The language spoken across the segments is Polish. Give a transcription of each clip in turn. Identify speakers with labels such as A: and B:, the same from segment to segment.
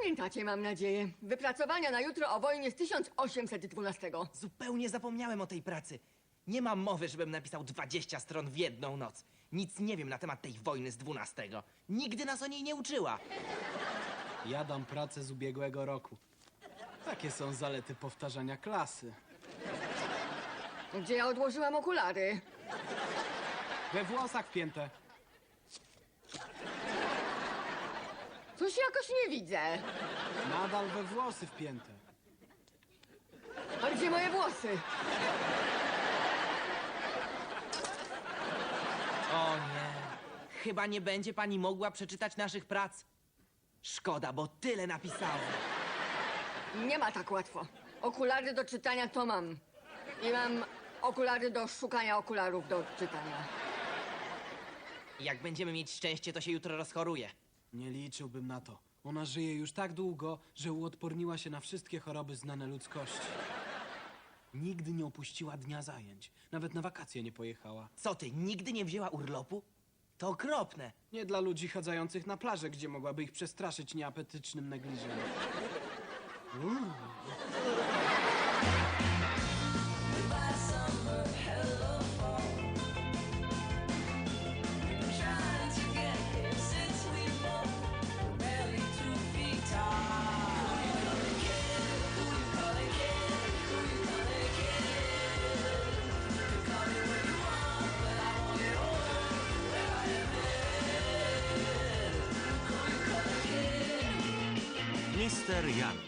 A: Pamiętacie, mam nadzieję, wypracowania na jutro o wojnie z 1812.
B: Zupełnie zapomniałem o tej pracy. Nie ma mowy, żebym napisał 20 stron w jedną noc. Nic nie wiem na temat tej wojny z 12. Nigdy nas o niej nie uczyła.
C: Ja dam pracę z ubiegłego roku. Takie są zalety powtarzania klasy.
A: Gdzie ja odłożyłam okulary?
C: We włosach wpięte.
A: Coś jakoś nie widzę.
C: Nadal we włosy wpięte.
A: A gdzie moje włosy?
B: O nie. Chyba nie będzie pani mogła przeczytać naszych prac. Szkoda, bo tyle napisałem.
A: Nie ma tak łatwo. Okulary do czytania to mam. I mam okulary do szukania okularów do czytania.
B: Jak będziemy mieć szczęście, to się jutro rozchoruje.
C: Nie liczyłbym na to. Ona żyje już tak długo, że uodporniła się na wszystkie choroby znane ludzkości. Nigdy nie opuściła dnia zajęć. Nawet na wakacje nie pojechała.
B: Co ty, nigdy nie wzięła urlopu? To okropne.
C: Nie dla ludzi chadzających na plażę, gdzie mogłaby ich przestraszyć nieapetycznym negliżem.
D: Trying to get here since we both barely 2 feet tall. Who you gonna get? Who you gonna get? Who you gonna get? You call it what you want, but I want it all. Where I am headed. Who you gonna get?
E: Mister Young.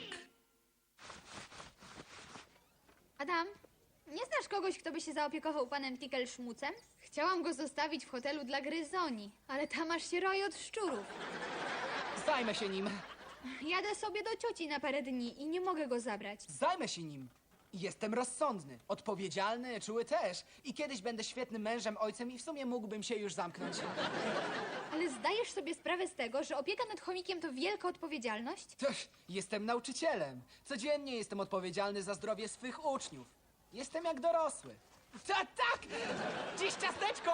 F: Adam, nie znasz kogoś, kto by się zaopiekował panem Tickelschmutzem? Chciałam go zostawić w hotelu dla gryzoni, ale tam aż się roi od szczurów.
G: Zajmę się nim.
F: Jadę sobie do cioci na parę dni i nie mogę go zabrać.
G: Zajmę się nim. Jestem rozsądny, odpowiedzialny, czuły też. I kiedyś będę świetnym mężem, ojcem i w sumie mógłbym się już zamknąć.
F: Ale zdajesz sobie sprawę z tego, że opieka nad chomikiem to wielka odpowiedzialność?
G: Jestem nauczycielem. Codziennie jestem odpowiedzialny za zdrowie swych uczniów. Jestem jak dorosły. Tak! Dziś ciasteczko!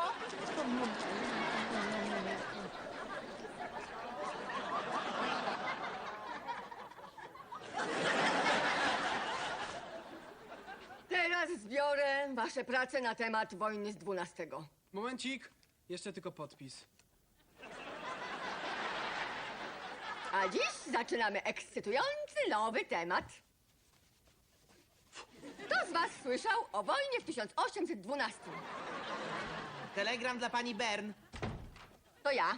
A: Teraz zbiorę wasze prace na temat wojny z 12.
C: Momencik. Jeszcze tylko podpis.
A: A dziś zaczynamy ekscytujący nowy temat. Kto z was słyszał o wojnie w 1812?
B: Telegram dla pani Bern.
A: To ja.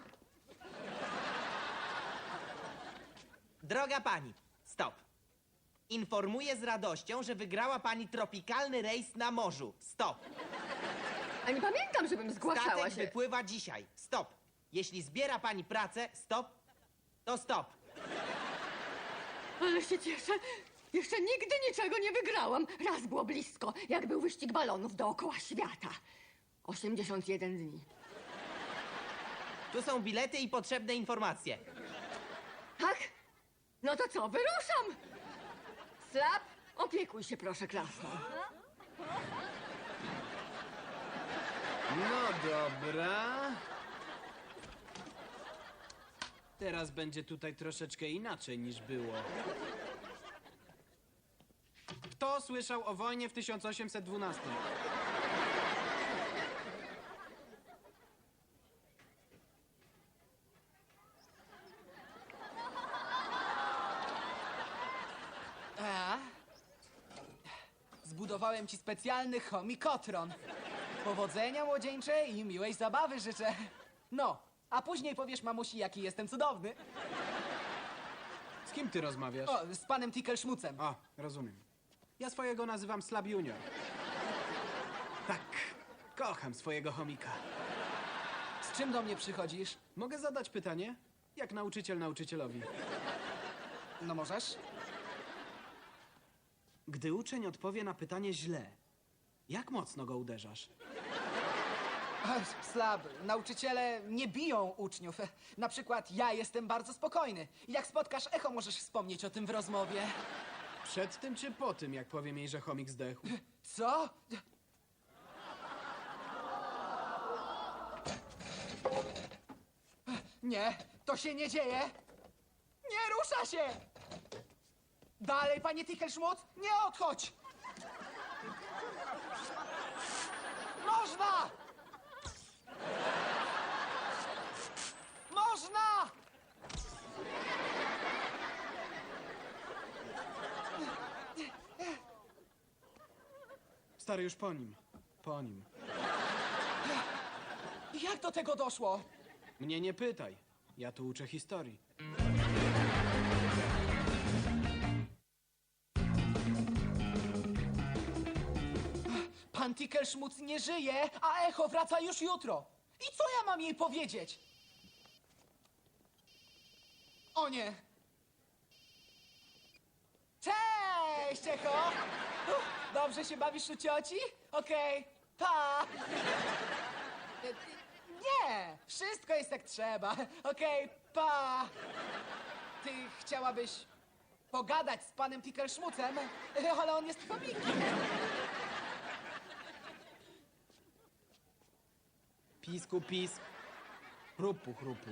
B: Droga pani, stop. Informuję z radością, że wygrała pani tropikalny rejs na morzu. Stop.
A: A nie pamiętam, żebym zgłaszała
B: Statek
A: się.
B: wypływa dzisiaj. Stop. Jeśli zbiera pani pracę, stop, to stop.
A: Ale się cieszę. Jeszcze nigdy niczego nie wygrałam. Raz było blisko, jak był wyścig balonów dookoła świata. 81 dni.
B: Tu są bilety i potrzebne informacje.
A: Tak? No to co, wyruszam! Slap, opiekuj się proszę klasą.
C: No dobra. Teraz będzie tutaj troszeczkę inaczej niż było. Kto słyszał o wojnie w 1812?
G: Zbudowałem ci specjalny chomikotron. Powodzenia młodzieńczej i miłej zabawy życzę. No, a później powiesz mamusi, jaki jestem cudowny.
C: Z kim ty rozmawiasz?
G: O, z panem Tickelschmutzem.
C: A, rozumiem. Ja swojego nazywam Slab Junior. Tak, kocham swojego chomika.
G: Z czym do mnie przychodzisz?
C: Mogę zadać pytanie? Jak nauczyciel nauczycielowi.
G: No możesz?
C: Gdy uczeń odpowie na pytanie źle, jak mocno go uderzasz?
G: Slab, nauczyciele nie biją uczniów. Na przykład ja jestem bardzo spokojny. Jak spotkasz echo, możesz wspomnieć o tym w rozmowie.
C: Przed tym czy po tym, jak powiem jej, że chomik zdechł?
G: Co? Nie, to się nie dzieje. Nie rusza się! Dalej, panie Tickelschmutz, nie odchodź! Można! Można!
C: Stary, już po nim. Po nim.
G: Jak do tego doszło?
C: Mnie nie pytaj. Ja tu uczę historii.
G: Pan Tickelschmutz nie żyje, a echo wraca już jutro. I co ja mam jej powiedzieć? O nie! Cześć, echo! Dobrze się bawisz u cioci? Okej, pa! Nie, wszystko jest jak trzeba. Okej, pa! Ty chciałabyś pogadać z panem Tickelschmutzem, ale on jest chomikiem.
C: Pisku, pisk. Chrupu, chrupu.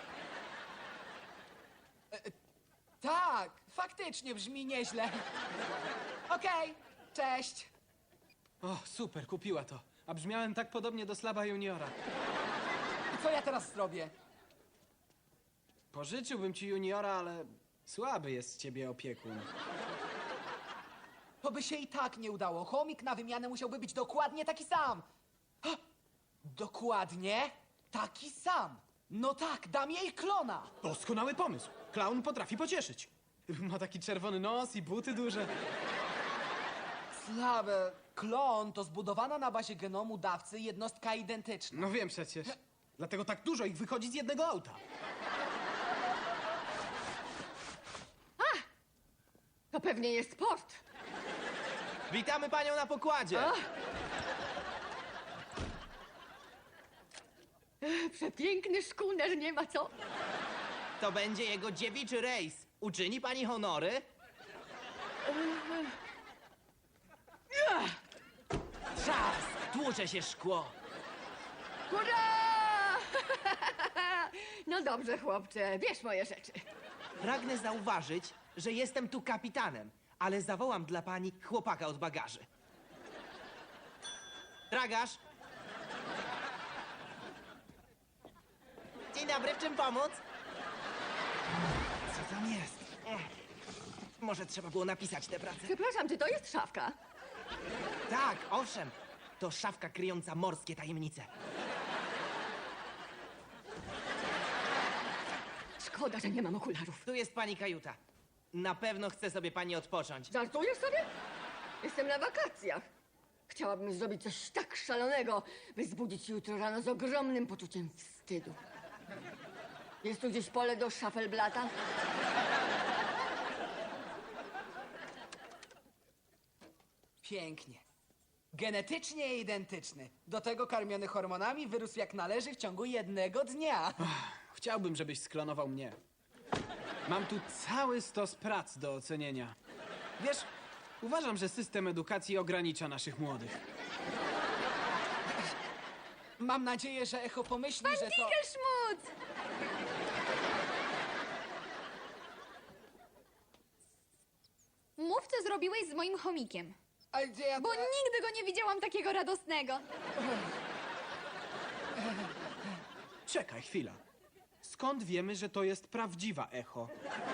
G: Tak, faktycznie brzmi nieźle. Okej, cześć.
C: O, super, kupiła to. A brzmiałem tak podobnie do Slaba Juniora.
G: I co ja teraz zrobię?
C: Pożyczyłbym ci Juniora, ale słaby jest z ciebie opiekun.
G: To by się i tak nie udało. Chomik na wymianę musiałby być dokładnie taki sam. Ha! Dokładnie taki sam. No tak, dam jej klona.
C: Doskonały pomysł. Klaun potrafi pocieszyć. Ma taki czerwony nos i buty duże.
G: Słabe. Klon to zbudowana na bazie genomu dawcy jednostka identyczna.
C: No wiem przecież. Dlatego tak dużo ich wychodzi z jednego auta.
A: To pewnie jest port.
B: Witamy panią na pokładzie!
A: Przepiękny szkuner, nie ma co.
B: To będzie jego dziewiczy rejs. Uczyni pani honory? Trzask! Tłucze się szkło.
A: Hurra! No dobrze, chłopcze, bierz moje rzeczy.
B: Pragnę zauważyć, że jestem tu kapitanem, ale zawołam dla pani chłopaka od bagaży. Tragarz! Dzień dobry, w czym pomóc? Co tam jest? Może trzeba było napisać tę pracę.
A: Przepraszam, czy to jest szafka?
B: Tak, owszem. To szafka kryjąca morskie tajemnice.
A: Szkoda, że nie mam okularów.
B: Tu jest pani kajuta. Na pewno chce sobie pani odpocząć.
A: Żartujesz sobie? Jestem na wakacjach. Chciałabym zrobić coś tak szalonego, by zbudzić jutro rano z ogromnym poczuciem wstydu. Jest tu gdzieś pole do szafelblata?
G: Pięknie. Genetycznie identyczny. Do tego karmiony hormonami wyrósł jak należy w ciągu jednego dnia.
C: Chciałbym, żebyś sklonował mnie. Mam tu cały stos prac do ocenienia. Wiesz, uważam, że system edukacji ogranicza naszych młodych.
G: Mam nadzieję, że echo pomyśli, że to...
F: Tickelschmutz! Mów, co zrobiłeś z moim chomikiem.
G: A gdzie ja...
F: Bo nigdy go nie widziałam takiego radosnego.
C: Czekaj, chwila. Skąd wiemy, że to jest prawdziwa echo?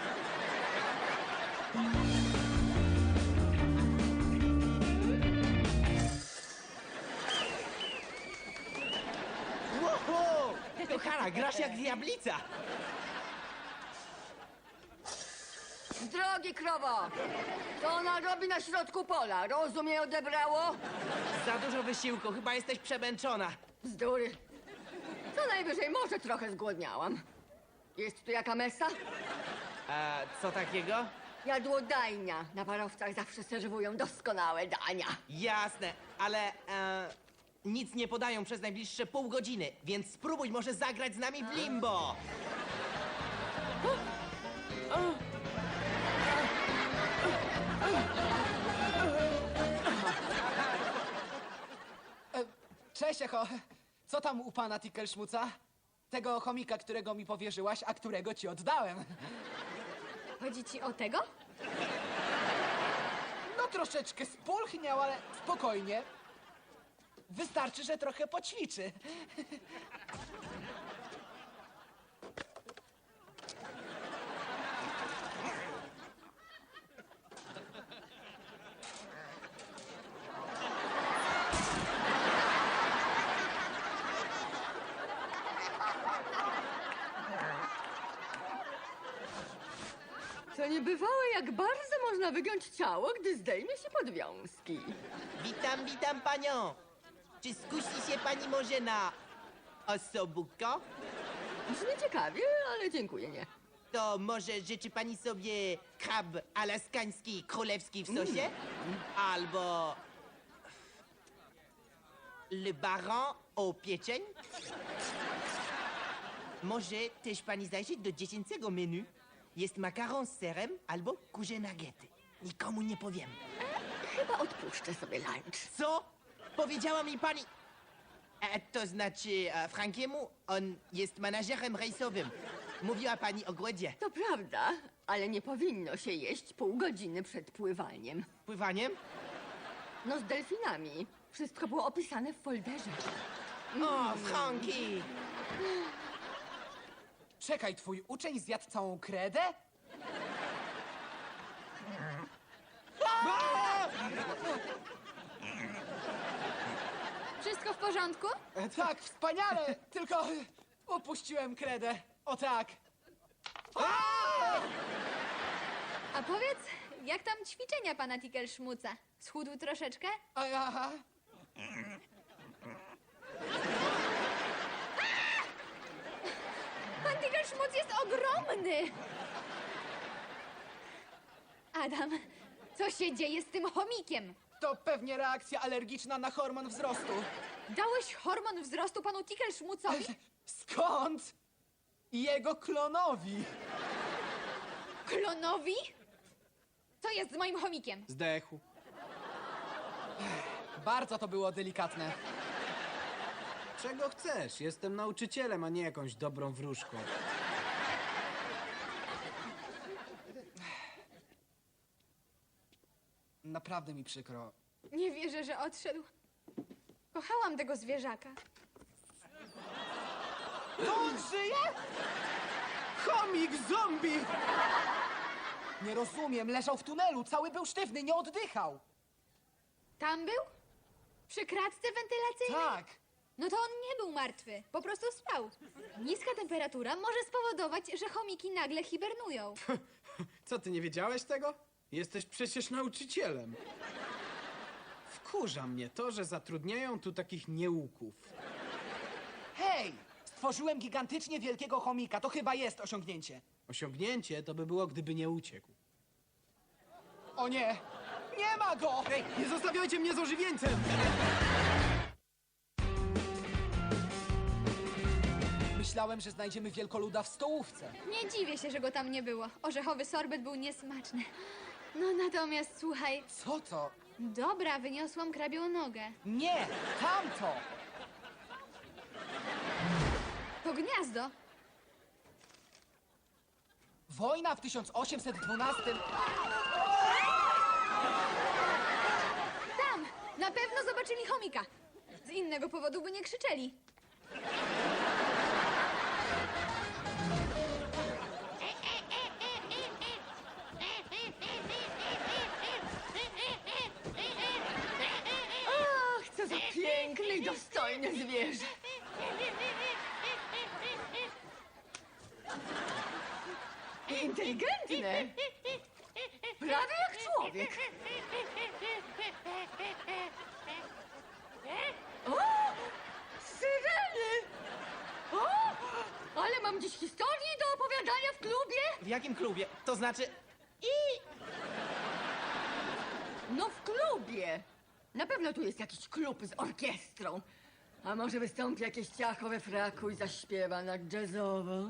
B: Wow! Kochana, grasz jak diablica!
A: Z drogi, krowo! Co ona robi na środku pola? Rozum jej odebrało?
B: Za dużo wysiłku, chyba jesteś przemęczona.
A: Bzdury. Co najwyżej może trochę zgłodniałam. Jest tu jaka mesa?
B: A co takiego?
A: Jadłodajnia. Na parowcach zawsze serwują doskonałe dania.
B: Jasne, ale nic nie podają przez najbliższe pół godziny, więc spróbuj może zagrać z nami w limbo.
G: Cześć, echo. Co tam u pana Tickelschmutza? Tego chomika, którego mi powierzyłaś, a którego ci oddałem.
F: Chodzi ci o tego?
G: No troszeczkę spulchniał, ale spokojnie. Wystarczy, że trochę poćwiczy.
A: To niebywałe, jak bardzo można wygiąć ciało, gdy zdejmie się podwiązki.
B: Witam panią. Czy skusi się pani może na osobówko?
A: Brzmi ciekawie, ale dziękuję, nie.
B: To może życzy pani sobie krab alaskański królewski w sosie? Albo le baron au pieczeń? Może też pani zajrzeć do dziecięcego menu? Jest makaron z serem albo kurze nuggety. Nikomu nie powiem.
A: Chyba odpuszczę sobie lunch.
B: Co? Powiedziała mi pani... to znaczy Frankiemu, on jest menadżerem rejsowym. Mówiła pani o głodzie.
A: To prawda, ale nie powinno się jeść pół godziny przed pływaniem.
B: Pływaniem?
A: No z delfinami. Wszystko było opisane w folderze.
B: O, Franki!
G: Czekaj, twój uczeń zjadł całą kredę?
F: Wszystko w porządku?
G: Tak, wspaniale, tylko upuściłem kredę. O tak.
F: A powiedz, jak tam ćwiczenia pana Tickelschmuca? Schudł troszeczkę?
G: Aha.
F: Pan Tickelschmuc jest ogromny! Adam, co się dzieje z tym chomikiem?
G: To pewnie reakcja alergiczna na hormon wzrostu.
F: Dałeś hormon wzrostu panu Tickelschmucowi?
G: Skąd? Jego klonowi.
F: Klonowi? Co jest z moim chomikiem?
C: Zdechł.
G: Bardzo to było delikatne.
C: Czego chcesz? Jestem nauczycielem, a nie jakąś dobrą wróżką.
G: Naprawdę mi przykro.
F: Nie wierzę, że odszedł. Kochałam tego zwierzaka.
G: To on żyje? Chomik zombie! Nie rozumiem, leżał w tunelu, cały był sztywny, nie oddychał.
F: Tam był? Przy kratce wentylacyjnej?
G: Tak.
F: No to on nie był martwy, po prostu spał. Niska temperatura może spowodować, że chomiki nagle hibernują.
C: Co, ty nie wiedziałeś tego? Jesteś przecież nauczycielem. Wkurza mnie to, że zatrudniają tu takich nieuków.
G: Hej! Stworzyłem gigantycznie wielkiego chomika, to chyba jest osiągnięcie.
C: Osiągnięcie to by było, gdyby nie uciekł.
G: O nie! Nie ma go!
C: Ej, nie zostawiajcie mnie z ożywieńcem!
G: Myślałem, że znajdziemy wielkoluda w stołówce.
F: Nie dziwię się, że go tam nie było. Orzechowy sorbet był niesmaczny. No natomiast słuchaj,
G: Co to?
F: dobra, wyniosłam krabią nogę.
G: Nie! Tamto!
F: To gniazdo.
G: Wojna w 1812...
F: Tam! Na pewno zobaczyli chomika. Z innego powodu by nie krzyczeli.
A: Ach, co za piękne i dostojne zwierzę. I inteligentne. Prawie jak człowiek. O! Syreny! O! Ale mam dziś historię do opowiadania w klubie.
B: W jakim klubie? To znaczy...
A: No w klubie. Na pewno tu jest jakiś klub z orkiestrą. A może wystąpi jakieś ciacho we fraku i zaśpiewa na jazzowo?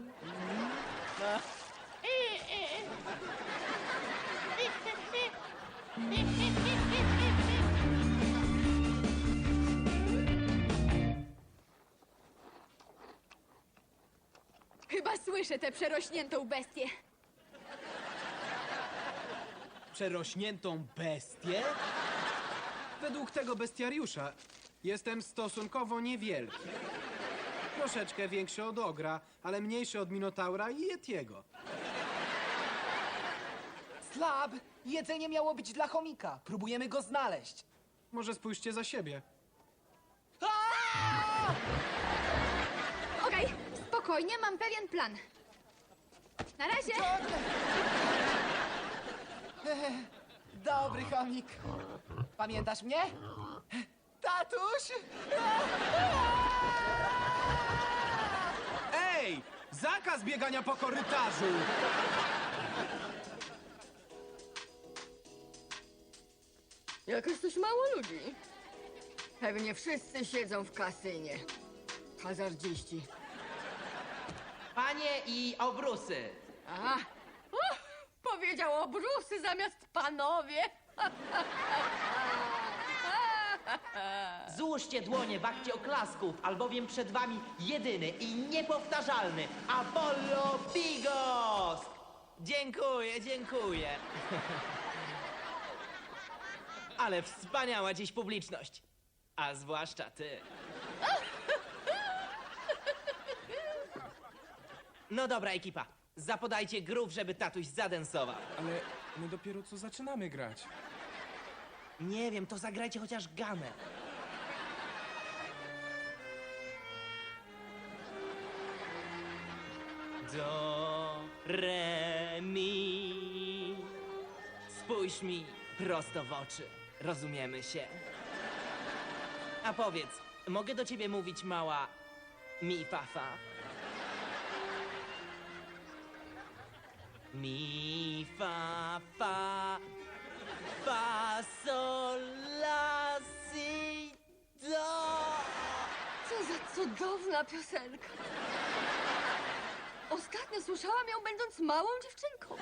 F: Chyba słyszę tę przerośniętą bestię.
C: przerośniętą bestię? Według tego bestiariusza jestem stosunkowo niewielki. Troszeczkę większy od ogra, ale mniejszy od minotaura i yetiego.
G: Slab, jedzenie miało być dla chomika. Próbujemy go znaleźć.
C: Może spójrzcie za siebie.
F: Okej, spokojnie, mam pewien plan. Na razie!
G: Dobry chomik. Pamiętasz mnie? Tatuś?
C: Ej! Zakaz biegania po korytarzu!
A: Jakoś coś mało ludzi. Pewnie wszyscy siedzą w kasynie. Hazardziści.
B: Panie i obrusy.
A: A! Powiedział obrusy zamiast panowie.
B: Złóżcie dłonie w akcie oklasków, albowiem przed wami jedyny i niepowtarzalny Apollo Bigos! Dziękuję, dziękuję. Ale wspaniała dziś publiczność. A zwłaszcza ty. No dobra, ekipa. Zapodajcie grów, żeby tatuś zadensował.
E: Ale my dopiero co zaczynamy grać.
B: Nie wiem, to zagrajcie chociaż gamę. Do, re, mi. Spójrz mi prosto w oczy. Rozumiemy się. A powiedz, mogę do ciebie mówić mała mi, fa, fa? Mi, fa, fa, fa, sol, la, si, do.
A: Co za cudowna piosenka. Ostatnio słyszałam ją będąc małą dziewczynką.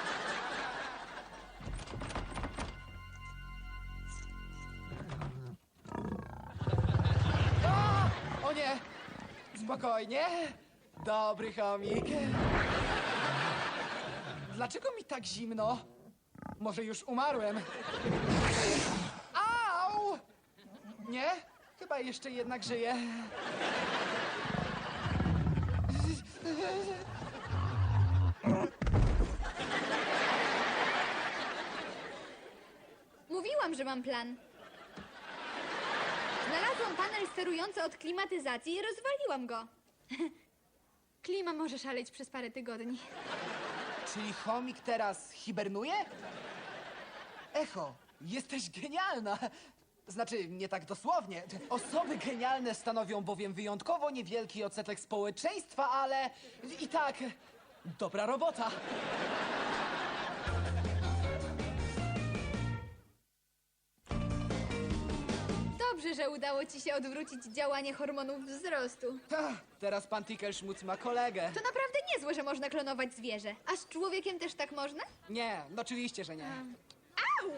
G: O nie! Spokojnie. Dobry chomik. Dlaczego mi tak zimno? Może już umarłem? Au! Nie? Chyba jeszcze jednak żyję.
F: Mówiłam, że mam plan. Znalazłam panel sterujący od klimatyzacji i rozwaliłam go. Klima może szaleć przez parę tygodni.
G: Czyli chomik teraz hibernuje? Echo, jesteś genialna. Znaczy, nie tak dosłownie. Osoby genialne stanowią bowiem wyjątkowo niewielki odsetek społeczeństwa, ale i tak dobra robota.
F: Dobrze, że udało ci się odwrócić działanie hormonów wzrostu.
G: Teraz pan Tickelschmutz ma kolegę.
F: To naprawdę niezłe, że można klonować zwierzę. A z człowiekiem też tak można?
G: Nie, no oczywiście, że nie.
F: Au!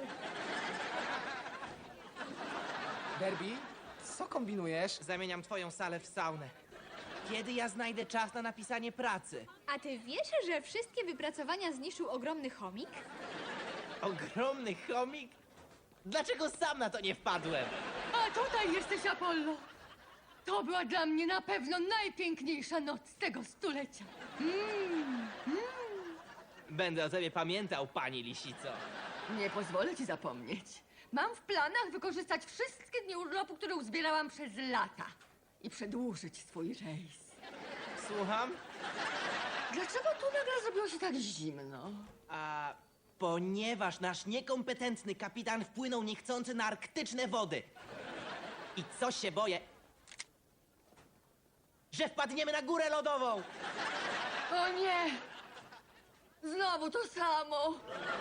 G: Derby, co kombinujesz?
B: Zamieniam twoją salę w saunę. Kiedy ja znajdę czas na napisanie pracy?
F: A ty wiesz, że wszystkie wypracowania zniszczył ogromny chomik?
B: Ogromny chomik? Dlaczego sam na to nie wpadłem?
A: A tutaj jesteś, Apollo. To była dla mnie na pewno najpiękniejsza noc tego stulecia.
B: Będę o tobie pamiętał, pani lisico.
A: Nie pozwolę ci zapomnieć. Mam w planach wykorzystać wszystkie dni urlopu, które uzbierałam przez lata i przedłużyć swój rejs.
B: Słucham?
A: Dlaczego tu nagle zrobiło się tak zimno?
B: A ponieważ nasz niekompetentny kapitan wpłynął niechcący na arktyczne wody. I co się boję? Że wpadniemy na górę lodową!
A: O nie! Znowu to samo!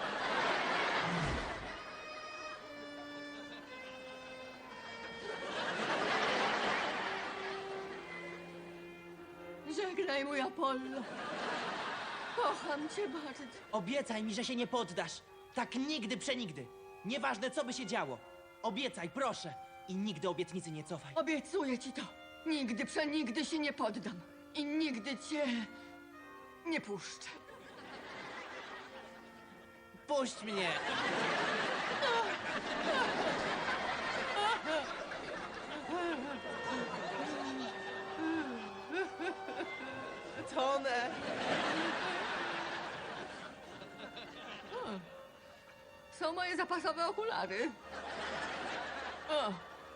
A: Żegnaj, mój Apollo. Kocham cię bardzo.
B: Obiecaj mi, że się nie poddasz. Tak nigdy, przenigdy. Nieważne, co by się działo. Obiecaj, proszę. I nigdy obietnicy nie cofaj.
A: Obiecuję ci to. Nigdy, przenigdy się nie poddam. I nigdy cię nie puszczę.
B: Puść mnie! Tonę!
A: Są moje zapasowe okulary. O,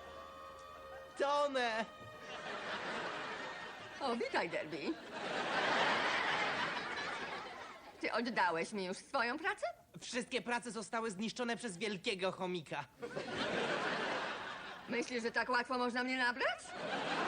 B: Tonę!
A: o, witaj, Derby. Ty oddałeś mi już swoją pracę?
B: Wszystkie prace zostały zniszczone przez wielkiego chomika.
A: Myślisz, że tak łatwo można mnie nabrać?